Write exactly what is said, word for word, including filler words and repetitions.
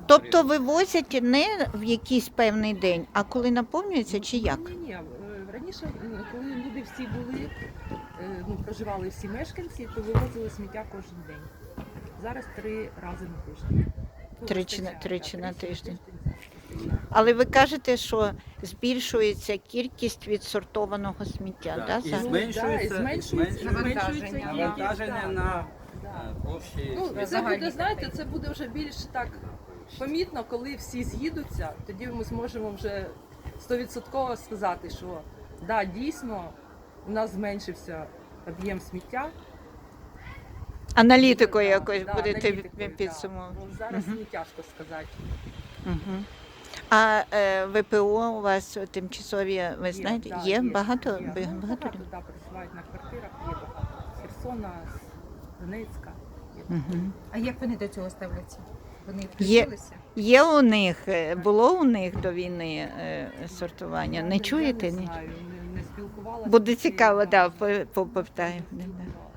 Тобто вивозять не в якийсь певний день, а коли наповнюється чи як? Ні, ні, раніше, м, коли люди всі були, е, ну, проживали всі мешканці, то вивозили сміття кожен день. Зараз три рази на тиждень. Ну, Тричі на- вистачає, тричі так, на тричі тиждень. вистачає. Але ви кажете, що збільшується кількість відсортованого сміття, Так, да? і за- Ну, зменшується, да, і і зменшується, зменшується навантаження. навантаження, Навантаження на да. е, площі. Ну, сміття. це буде, знаєте, це буде вже більш так помітно, коли всі з'їдуться, тоді ми зможемо вже стовідсотково сказати, що да, дійсно у нас зменшився об'єм сміття. Аналітикою Да, якось да, будете аналітикою, да. підсумовувати. Ну, зараз Мгм. не тяжко сказати. Угу. А е, ВПО у вас тимчасові, ви знаєте, да, є, багато? Є. Ба- Ну, багато багато людей? да, проживають на квартирах, є багато. З Херсона, з Донецька. Є. Угу. А як вони до цього ставляться? Вони Є. включилися? Є у них, е, було у них до війни е, сортування? Я Не чуєте? Я не Ні? знаю, не, не спілкувалася. Буде з цією, цікаво, да. да, по- по- попитаю. Не Да, да. спілкувалася.